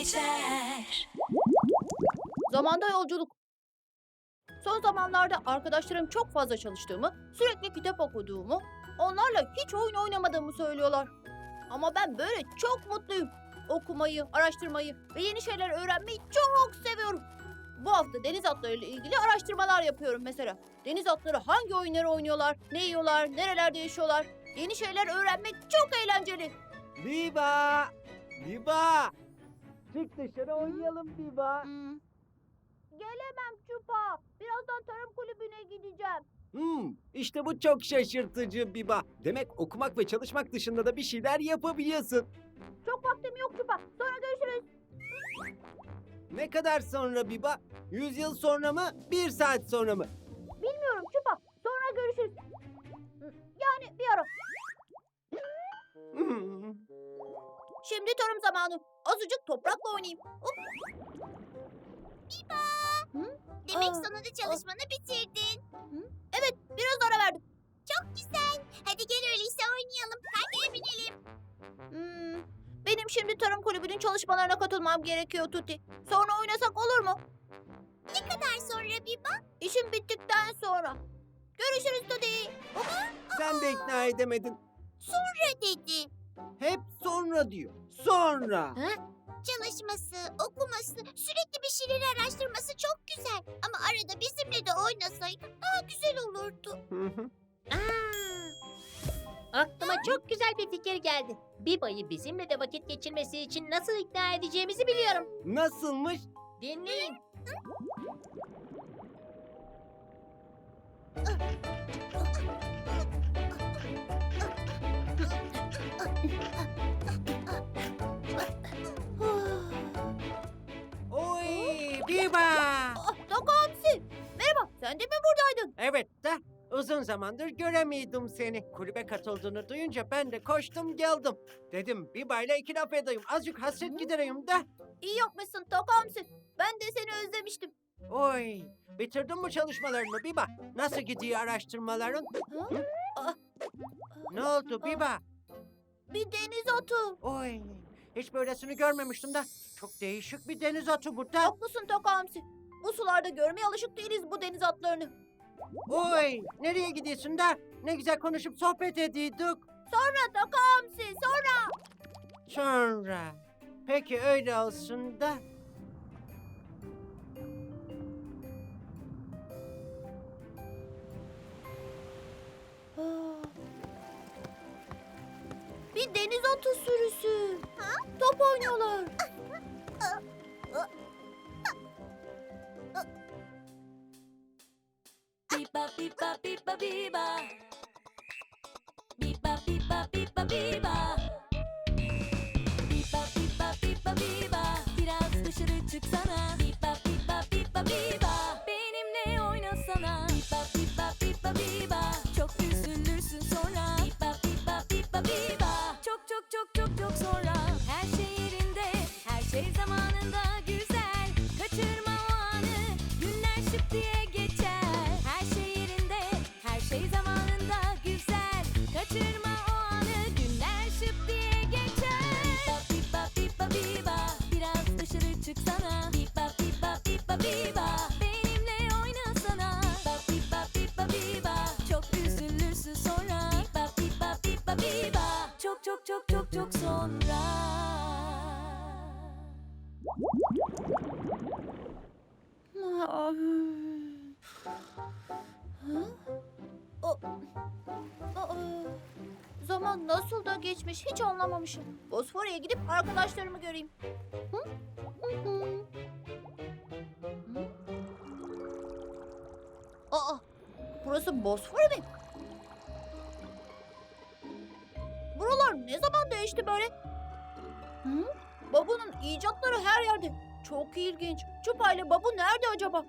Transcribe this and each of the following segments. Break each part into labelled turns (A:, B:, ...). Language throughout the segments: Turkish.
A: geçer.
B: Zamanda yolculuk. Son zamanlarda arkadaşlarım çok fazla çalıştığımı, sürekli kitap okuduğumu, onlarla hiç oyun oynamadığımı söylüyorlar. Ama ben böyle çok mutluyum. Okumayı, araştırmayı ve yeni şeyler öğrenmeyi çok seviyorum. Bu hafta deniz atlarıyla ilgili araştırmalar yapıyorum mesela. Deniz atları hangi oyunları oynuyorlar, ne yiyorlar, nerelerde yaşıyorlar? Yeni şeyler öğrenmek çok eğlenceli.
C: Biba! Biba! Çık dışarı oynayalım Biba.
B: Gelemem Çupa. Birazdan tarım kulübüne gideceğim.
C: İşte bu çok şaşırtıcı Biba. Demek okumak ve çalışmak dışında da bir şeyler yapabiliyorsun.
B: Çok vaktim yok Çupa. Sonra görüşürüz.
C: Ne kadar sonra Biba? 100 yıl sonra mı? 1 saat sonra mı?
B: Bilmiyorum Çupa. Sonra görüşürüz. Yani bir ara.
C: Hmm,
B: Şimdi tarım zamanı. Azıcık toprakla oynayayım. Hop.
D: Demek
B: Aa,
D: sonunda çalışmanı bitirdin.
B: Evet, biraz ara verdim.
D: Çok güzel. Hadi gel öyleyse oynayalım. Hadi binelim.
B: Benim şimdi tarım kulübünün çalışmalarına katılmam gerekiyor Tuti. Sonra oynasak olur mu?
D: Ne kadar sonra Biba?
B: İşim bittikten sonra. Görüşürüz Tuti.
C: Sen de ikna edemedin.
D: Sonra dedi.
C: Hep sonra diyor. Sonra.
D: Çalışması, okuması, sürekli bir şeyleri araştırması çok güzel. Ama arada bizimle de oynasaydı daha güzel olurdu.
E: Aklıma çok güzel bir fikir geldi. Biba'yı bizimle de vakit geçirmesi için nasıl ikna edeceğimizi biliyorum.
C: Nasılmış?
E: Dinleyin.
C: Oy Biba!
B: Doku Hamsi. Merhaba, sen de mi buradaydın?
C: Evet de uzun zamandır göremiyordum seni. Kulübe katıldığını duyunca ben de koştum geldim. Dedim Biba'yla iki laf edeyim. Azıcık hasret gidereyim de.
B: İyi yapmışsın Doku Hamsi. Ben de seni özlemiştim.
C: Oy, bitirdin mi çalışmalarını Biba? Nasıl gidiyor araştırmaların?
B: Ha? Ah,
C: Ne oldu Biba?
B: Bir deniz atı.
C: Oy, hiç böylesini görmemiştim de. Çok değişik bir deniz atı bu da.
B: Haklısın Doku Hamsi. Bu sularda görmeye alışık değiliz bu deniz atlarını.
C: Oy, nereye gidiyorsun da? Ne güzel konuşup sohbet ediyorduk.
B: Sonra Doku Hamsi, sonra.
C: Sonra. Peki öyle olsun da.
B: Bir deniz atı sürüsü. Top oynuyorlar.
A: Biba biba biba biba. Biba biba biba biba. Biba biba biba biba. Biraz dışarı çıksana. Biba biba biba biba. Benimle oynasana. Biba biba biba biba. Çok üzülürsün sonra. Biba biba biba biba. Çok çok çok çok çok sonra. Her şey yerinde, her şey zamanında güzel. Kaçırma o anı, günler şıp diye geçer. Her şey yerinde, her şey zamanında güzel. Kaçırma o anı, günler şıp diye geçer. Biba biba biba biba, biraz dışarı çıksana. Biba biba biba biba, benimle oynasana. Biba biba biba biba, çok üzülürsün sonra. Biba biba biba biba, çok çok çok çok çok sonra.
B: Zaman nasıl da geçmiş hiç anlamamışım. Bosfor'a gidip arkadaşlarımı göreyim. Aa, burası Bosfor mi? Buralar ne zaman değişti böyle? Babu'nun icatları her yerde. Çok ilginç. Çupa ile Babu nerede acaba?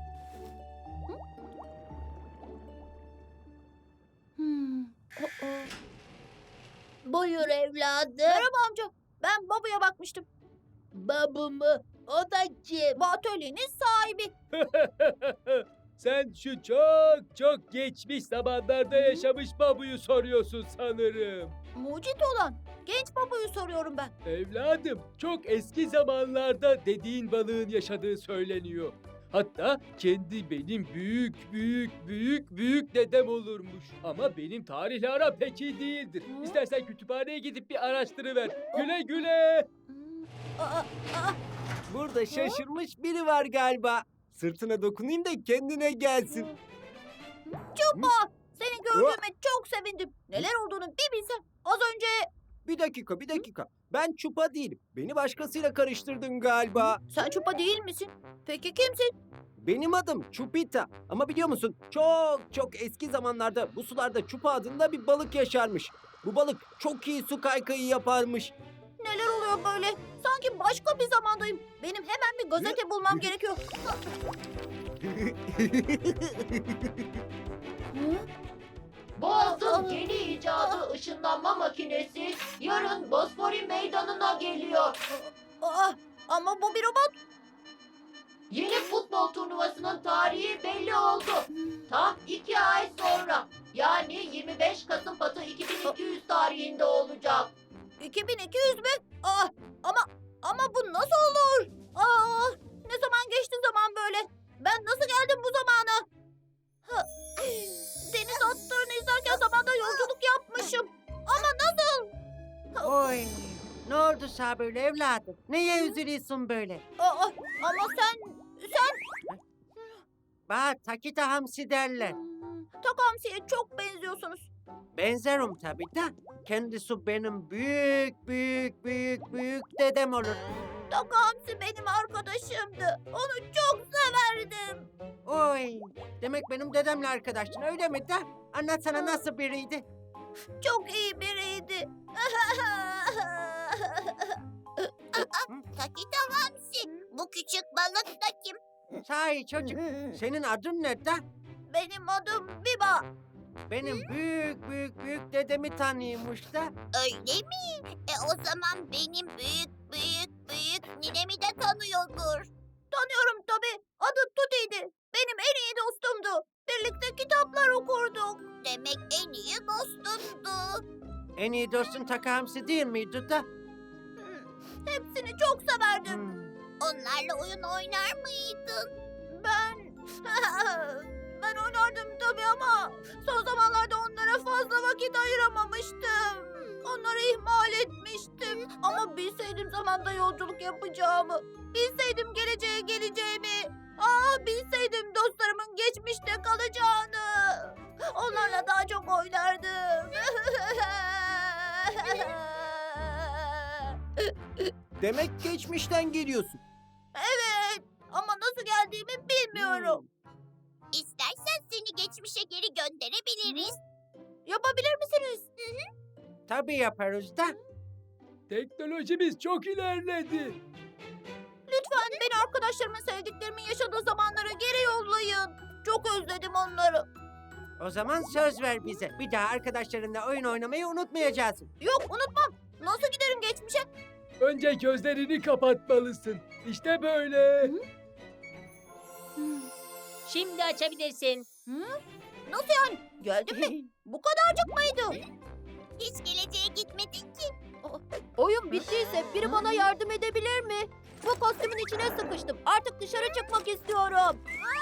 E: Buyur evladım.
B: Merhaba amca. Ben Babu'ya bakmıştım.
E: Babu mu? O da kim?
B: Bu atölyenin sahibi.
F: Sen şu çok çok geçmiş zamanlarda yaşamış babuyu soruyorsun sanırım.
B: Mucit olan genç babayı soruyorum ben.
F: Evladım, çok eski zamanlarda dediğin balığın yaşadığı söyleniyor. Hatta kendi benim büyük dedem olurmuş. Ama benim tarihle aram pek iyi değildir.
B: Hı?
F: İstersen kütüphaneye gidip bir araştırıver. Güle güle.
B: Aa, aa,
C: Burada şaşırmış biri var galiba. Sırtına dokunayım da kendine gelsin.
B: Çupa! Seni gördüğüme çok sevindim. Neler olduğunu bir bilsem. Az önce
C: Bir dakika. Ben Çupa değilim. Beni başkasıyla karıştırdın galiba.
B: sen Çupa değil misin? Peki kimsin?
C: Benim adım Çupita. Ama biliyor musun? Çok eski zamanlarda bu sularda Çupa adında bir balık yaşarmış. Bu balık çok iyi su kaykayı yaparmış.
B: Neler oluyor böyle? Sanki başka bir zamandayım. Benim hemen bir gazete bulmam gerekiyor. Hı?
E: Boğaz'ın yeni icadı ışınlanma makinesi yarın Bosfori meydanına geliyor.
B: Aa, ama bu bir robot.
E: Yeni futbol turnuvasının tarihi belli oldu. Tam 2 ay sonra yani 25 Kasım Batı 2200 tarihinde olacak.
B: 2200 mü? Aa, ama bu nasıl olur? Aa, ne zaman geçti zaman böyle? Ben nasıl geldim bu zamana? Ha, deniz atlarını izlerken zamanda yolculuk yapmışım. Ama nasıl?
C: Oy. Ne oldu sana böyle evladım? Neye üzülüyorsun böyle?
B: Aa, ama sen
C: Bana Takita Hamsi derler.
B: Takamsi'ye çok benziyorsunuz.
C: Benzerim tabii de. Kendisi benim büyük dedem olur.
B: Takamsi benim arkadaşımdı. Onu çok severdim.
C: Oy. Demek benim dedemle arkadaştın öyle mi de? Anlatsana nasıl biriydi?
B: Çok iyi biriydi.
D: Takita Hamsi. Bu küçük balık da kim?
C: Sahi çocuk. Senin adın ne de?
B: Benim adım Biba.
C: Benim büyük dedemi tanıyormuş da.
D: Öyle mi? O zaman benim büyük ninemi de tanıyordur.
B: Tanıyorum tabii. Adı Tuti'ydi. Benim en iyi dostumdu. Birlikte kitaplar okurduk.
D: Demek en iyi dostundu.
C: En iyi dostun Taka Hamsi değil miydi da?
B: Hepsini çok severdim.
C: Hmm.
D: Onlarla oyun oynar mıydın?
B: Ben... ben oynardım tabii ama son zamanlarda onlara fazla vakit ayıramamıştım. Onları ihmal etmiştim. Ama bilseydim zamanda yolculuk yapacağımı, bilseydim geleceğe geleceğimi, bilseydim dostlarımın geçmişte kalacağını. Onlarla daha çok oynardım.
C: Demek geçmişten geliyorsun.
B: Evet, ama nasıl geldiğimi bilmiyorum.
D: İstersen seni geçmişe geri gönderebiliriz.
B: Yapabilir misiniz?
C: Tabii yaparız da.
F: Teknolojimiz çok ilerledi.
B: Lütfen beni arkadaşlarımın sevdiklerimin yaşadığı zamanlara geri yollayın. Çok özledim onları.
C: O zaman söz ver bize. Bir daha arkadaşlarınla oyun oynamayı unutmayacaksın.
B: Yok unutmam. Nasıl giderim geçmişe?
F: Önce gözlerini kapatmalısın. İşte böyle.
E: Şimdi açabilirsin.
B: Nasıl yani? Geldim mi? Bu kadarcık mıydı?
D: Hiç geleceğe gitmedin ki.
B: Oyun bittiyse biri bana yardım edebilir mi? Bu kostümün içine sıkıştım. Artık dışarı çıkmak istiyorum.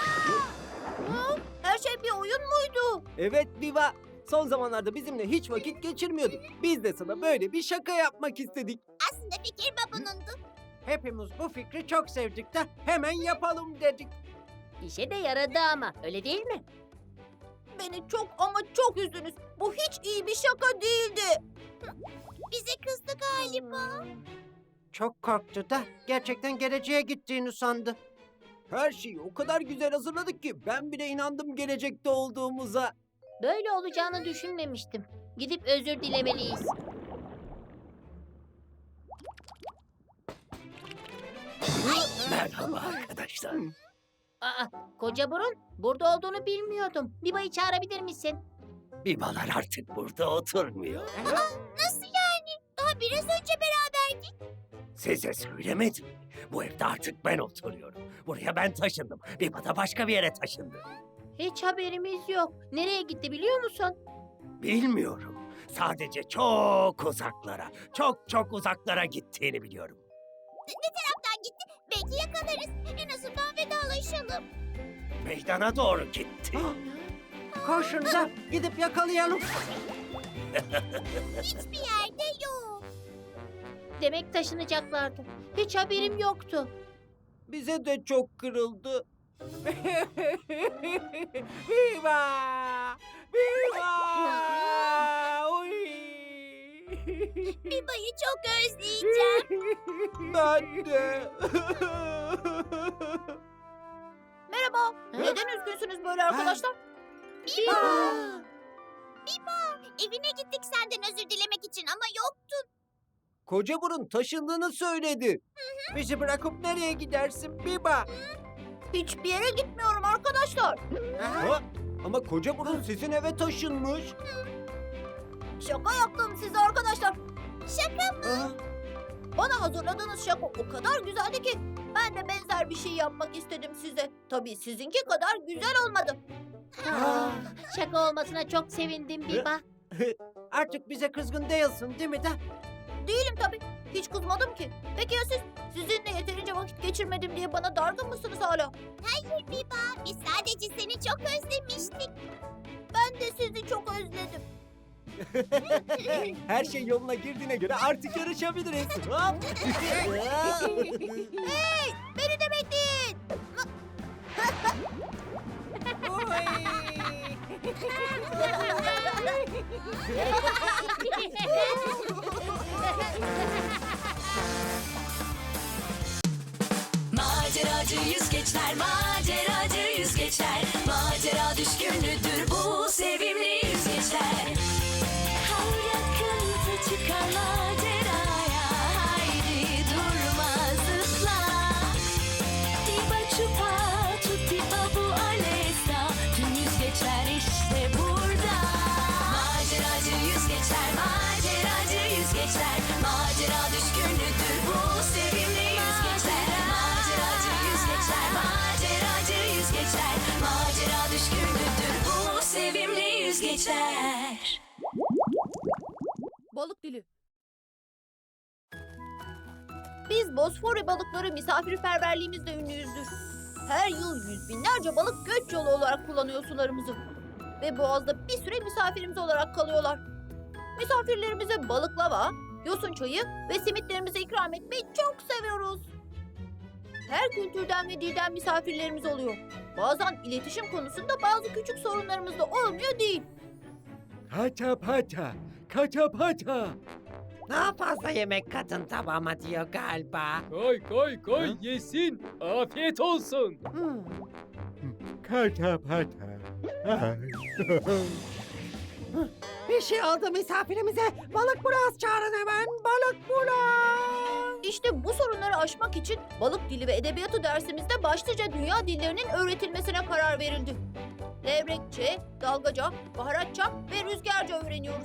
B: Her şey bir oyun muydu?
C: Evet Viva. Son zamanlarda bizimle hiç vakit geçirmiyordun. Biz de sana böyle bir şaka yapmak istedik.
D: Aslında fikir babunundu.
C: Hepimiz bu fikri çok sevdik de hemen yapalım dedik.
E: İşe de yaradı ama öyle değil mi?
B: Beni çok ama çok üzdünüz. Bu hiç iyi bir şaka değildi.
D: Bize kızdı galiba.
C: Çok korktu da gerçekten geleceğe gittiğini sandı. Her şeyi o kadar güzel hazırladık ki ben bile inandım gelecekte olduğumuza.
E: Böyle olacağını düşünmemiştim. Gidip özür dilemeliyiz.
G: Merhaba arkadaşlar.
E: Aa, koca burun, burada olduğunu bilmiyordum. Biba'yı çağırabilir misin?
G: Bibalar artık burada oturmuyor.
D: Nasıl yani? Daha biraz önce beraberdik.
G: Size söylemedim. Bu evde artık ben oturuyorum. Buraya ben taşındım. Biba da başka bir yere taşındı.
B: Hiç haberimiz yok. Nereye gitti biliyor musun?
G: Bilmiyorum. Sadece çok uzaklara, çok uzaklara gittiğini biliyorum.
D: Kaptan gitti. Belki yakalarız. En azından vedalaşalım.
G: Meydana doğru gitti.
C: Koşun da gidip yakalayalım.
D: Hiçbir yerde yok.
B: Demek taşınacaklardı. Hiç haberim yoktu.
C: Bize de çok kırıldı. Viva! Viva! Oy!
D: Biba'yı çok özleyeceğim.
C: Ben de.
B: Merhaba. Neden üzgünsünüz böyle arkadaşlar?
D: Biba, evine gittik senden özür dilemek için ama yoktun.
C: Koca burun taşındığını söyledi. Bizi bırakıp nereye gidersin Biba?
B: Hiçbir yere gitmiyorum arkadaşlar.
C: Ha? Ama koca burun sizin eve taşınmış.
B: Şaka yaptım size arkadaşlar.
D: Şaka mı?
B: Bana hazırladığınız şaka o kadar güzeldi ki ben de benzer bir şey yapmak istedim size. Tabii sizinki kadar güzel olmadı. Şaka olmasına çok sevindim Biba.
C: Artık bize kızgın değilsin değil mi de?
B: Değilim tabii. Hiç kızmadım ki. Peki ya siz? Sizinle yeterince vakit geçirmedim diye bana dargın mısınız hala?
D: Hayır Biba, biz sadece seni çok özlemiştik.
B: Ben de sizi çok özledim.
C: Her şey yoluna girdiğine göre artık yarışabiliriz. Hop.
B: Hey! Beni de bekleyin.
A: Maceracı yüzgeçler, maceracı yüzgeçler, macera düşkünüdür bu sevimli yüzgeçler. Her yakınsa çıkar maceraya, haydi durma zıpla. Diba çupa, tutti bu alesta, tüm yüzgeçler işte burada. Maceracı yüzgeçler, maceracı yüzgeçler, macera düşkünüdür bu sevimli yüzgeçler. Maceracı yüzgeçler, maceracı yüzgeçler, macera düşkünüdür bu sevimli yüzgeçler.
B: Balık dili. Biz Bosfor balıkları misafirperverliğimizle ünlüyüzdür. Her yıl yüz binlerce balık göç yolu olarak kullanıyor sularımızı. Ve boğazda bir süre misafirimiz olarak kalıyorlar. Misafirlerimize balıklava, yosun çayı ve simitlerimizi ikram etmeyi çok seviyoruz. Her kültürden ve dilden misafirlerimiz oluyor. Bazen iletişim konusunda bazı küçük sorunlarımız da olmuyor değil.
F: Kata pata, kata pata.
C: Daha fazla yemek kadın tabağıma diyor galiba.
F: Koy koy koy yesin. Afiyet olsun. Kata pata.
C: Bir şey oldu misafirimize. Balık biraz çağırın hemen. Balık bulas.
B: İşte bu sorunları aşmak için balık dili ve edebiyatı dersimizde başlıca dünya dillerinin öğretilmesine karar verildi. Levrekçe, dalgaca, baharatça ve rüzgarca öğreniyoruz.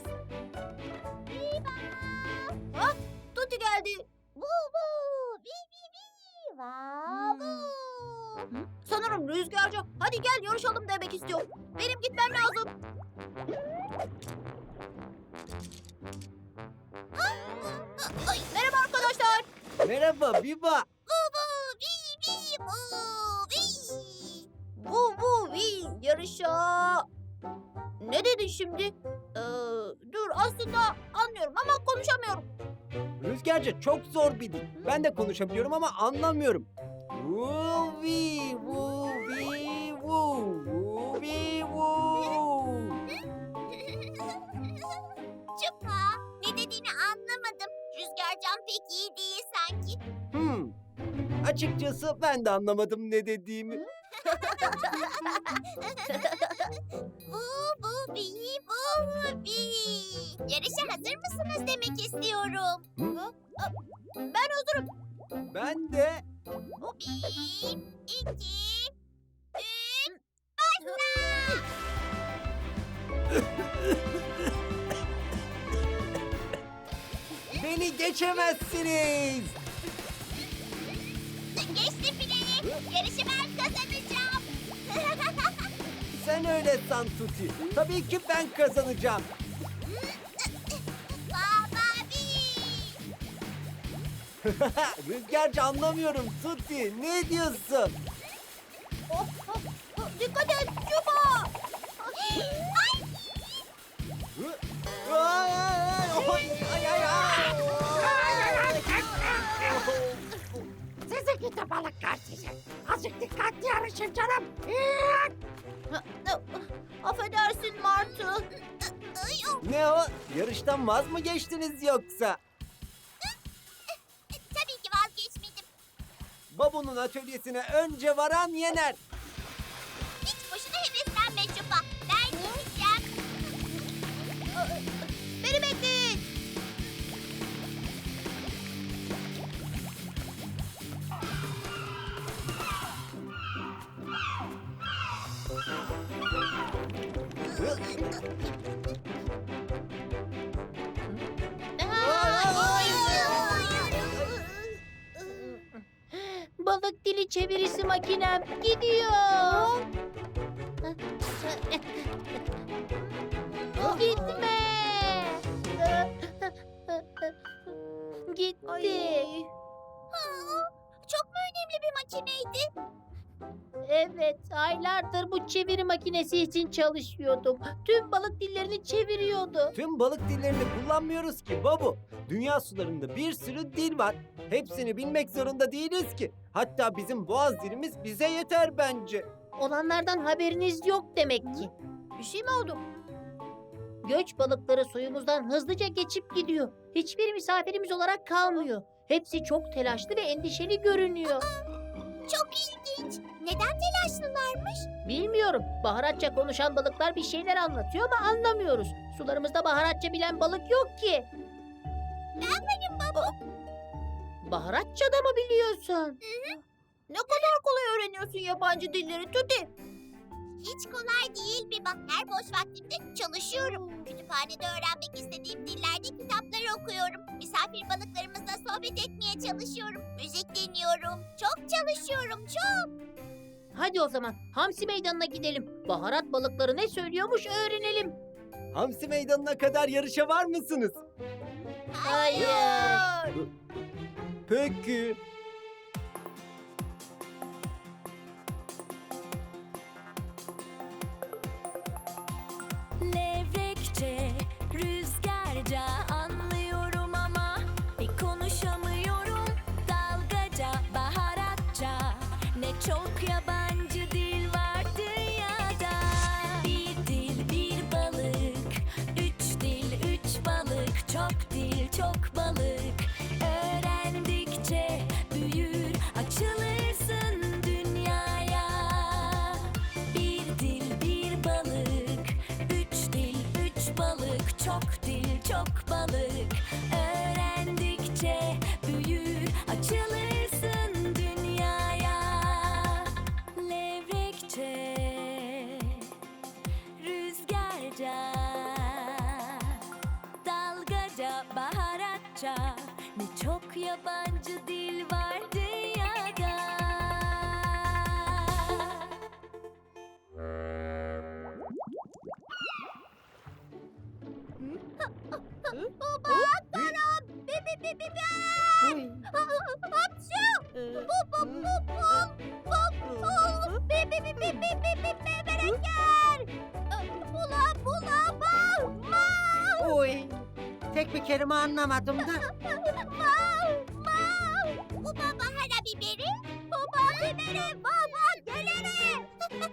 B: Ha, Tuti geldi.
D: Bu bu, bi bi bi, va bu.
B: Sanırım rüzgarca. Hadi gel yarışalım demek istiyor. Benim gitmem lazım. Merhaba arkadaşlar.
C: Merhaba Biba.
D: Bu bu, bi bi bu, bi.
B: Bu bu vi yarışa. Ne dedin şimdi? Dur aslında anlıyorum ama konuşamıyorum.
C: Rüzgarca çok zor bir dil. Ben de konuşabiliyorum ama anlamıyorum. Vuvi vuvi vu vuvi vu.
D: Çupa, ne dediğini anlamadım. Rüzgarcan pek iyi değil sanki.
C: Açıkçası ben de anlamadım ne dediğimi.
D: Bu bu, bi bu, bi. Yarışa hazır mısınız demek istiyorum.
B: Ben hazırım.
C: Ben de.
D: Bir, iki, üç, başla!
C: Beni geçemezsiniz.
D: Geçtim bile. Yarışı ben kazanacağım.
C: Sen öyle san Tuti. Tabii ki ben kazanacağım.
D: Baba
C: Rüzgarcı anlamıyorum Tuti. Ne diyorsun?
B: Dikkat et Çupa.
C: Ay, ay, ay, ay.
H: Sizi gidi balıklar sizi. Azıcık dikkatli yarışın canım.
B: Affedersin Martı.
C: Ne o? Yarıştan vaz mı geçtiniz yoksa?
D: tabii ki vazgeçmedim.
C: Babu'nun atölyesine önce varan yener.
D: Hiç boşuna heveslenme Çupa. Ben gideceğim.
B: Beni bekleyin. Balık dili çevirisi makinem gidiyor. Gitme. Gitti.
D: Çok mu önemli bir makineydi?
B: Evet, aylardır bu çeviri makinesi için çalışıyordum. Tüm balık dillerini çeviriyordu.
C: Tüm balık dillerini kullanmıyoruz ki Babu. Dünya sularında bir sürü dil var. Hepsini bilmek zorunda değiliz ki. Hatta bizim boğaz dilimiz bize yeter bence.
B: Olanlardan haberiniz yok demek ki. Bir şey mi oldu? Göç balıkları suyumuzdan hızlıca geçip gidiyor. Hiçbir misafirimiz olarak kalmıyor. Hepsi çok telaşlı ve endişeli görünüyor.
D: Çok ilginç. Neden telaşlılarmış?
B: Bilmiyorum. Baharatça konuşan balıklar bir şeyler anlatıyor ama anlamıyoruz. Sularımızda baharatça bilen balık yok ki.
D: Ben benim baba.
B: Baharatça da mı biliyorsun? Ne kadar kolay öğreniyorsun yabancı dilleri Tuti.
D: Hiç kolay değil Biba. Her boş vaktimde çalışıyorum. Kütüphanede öğrenmek istediğim dillerde kitaplar okuyorum. Misafir balıklarımızla sohbet etmeye çalışıyorum. Müzik dinliyorum. Çok çalışıyorum, çok.
B: Hadi o zaman Hamsi Meydanı'na gidelim. Baharat balıkları ne söylüyormuş öğrenelim.
C: Hamsi meydanına kadar yarışa var mısınız?
B: Hayır.
C: Peki.
A: Levrekçe, rüzgarca anlıyorum ama bir konuşamıyorum. Dalgaca, baharatça, ne çok yabancı dil var dünyada. Bir dil, bir balık, üç dil, üç balık, çok dil, çok balık. Öğrendikçe büyür, açılırsın dünyaya. Bir dil, bir balık, üç dil, üç balık, çok dil, çok balık. Öğrendikçe büyür, açılırsın dünyaya. Levrekçe, rüzgarca, dalgaca, baharatça, ne çok yabancı dil var dünyada.
H: Oy. Tek bir kelime anlamadım da.
D: Bu baba hara biberi, baba biberi, baba gelere.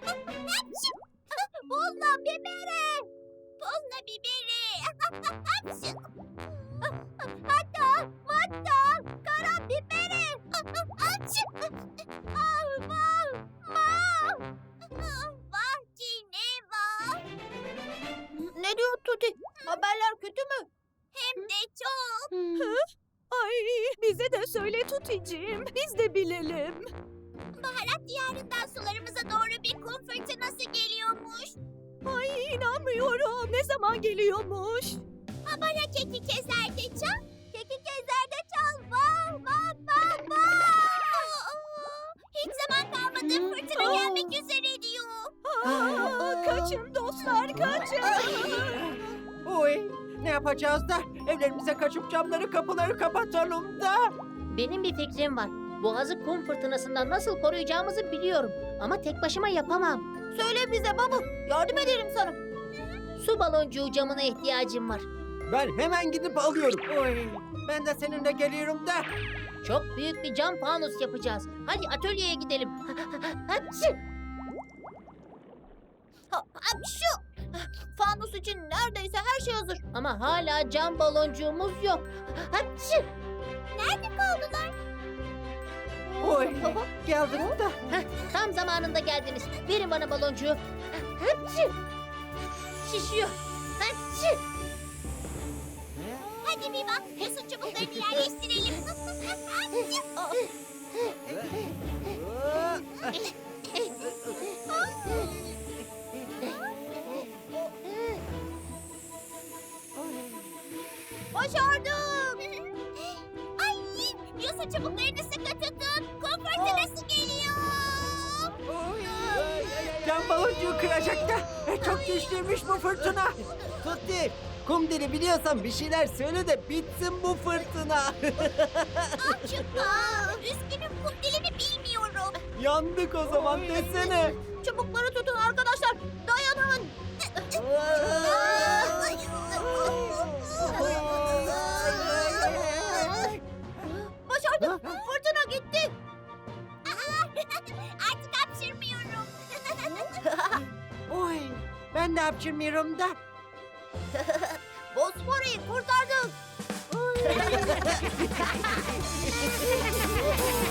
D: Bulla biberi, bulla biberi. Hatta, hatta, kara biberi. Vah Cineva.
B: Ne diyor Tuti? Haberler kötü mü?
D: Hem de çok.
I: Ay bize de söyle Tuticiğim. Biz de bilelim.
D: Baharat diyarından sularımıza doğru bir kum fırtınası geliyormuş.
I: Ay inanmıyorum. Ne zaman geliyormuş?
D: Bana keki kezerde çal. Keki kezerde çal. Vah vah vah vah. Hiç zaman kalmadı. Fırtına gelmek üzere diyor.
I: Aa, Kaçın dostlar, kaçın.
C: Oy, ne yapacağız da? Evlerimize kaçıp camları kapıları kapatalım da.
J: Benim bir fikrim var. Boğazı kum fırtınasından nasıl koruyacağımızı biliyorum. Ama tek başıma yapamam.
B: Söyle bize Babu. Yardım ederim sana.
J: Su baloncuğu camına ihtiyacım var.
C: Ben hemen gidip alıyorum. Oy, ben de seninle geliyorum da.
J: Çok büyük bir cam fanus yapacağız. Hadi atölyeye gidelim. Hapşi!
B: Şu fanus için neredeyse her şey hazır.
J: Ama hala cam baloncuğumuz yok. Hapşi!
D: Nerede kaldılar?
C: Oy, geldim da.
J: Tam zamanında geldiniz. Verin bana baloncuğu. Hapşi! Şişiyor. Hapşi!
D: Hadi bir bak. Yosun çubuklarını yerleştirelim.
B: Başardım.
D: Ay, yosun çubuklarını sıkı tutun. Kum fırtınası geliyor.
C: Cam baloncuğu kıracak da. Çok güçlüymüş bu fırtına. Tutti, kum dili biliyorsan bir şeyler söyle de bitsin bu fırtına.
D: Üzgünüm, kum dilini bilmiyorum.
C: Yandık o zaman desene.
B: Çubukları tutun arkadaşlar. Dayanın. Başardım. Fırtına gitti.
D: Artık hapşırmıyorum.
C: Oy, ben de hapşırmıyorum da.
B: Bosfor'u kurtardık.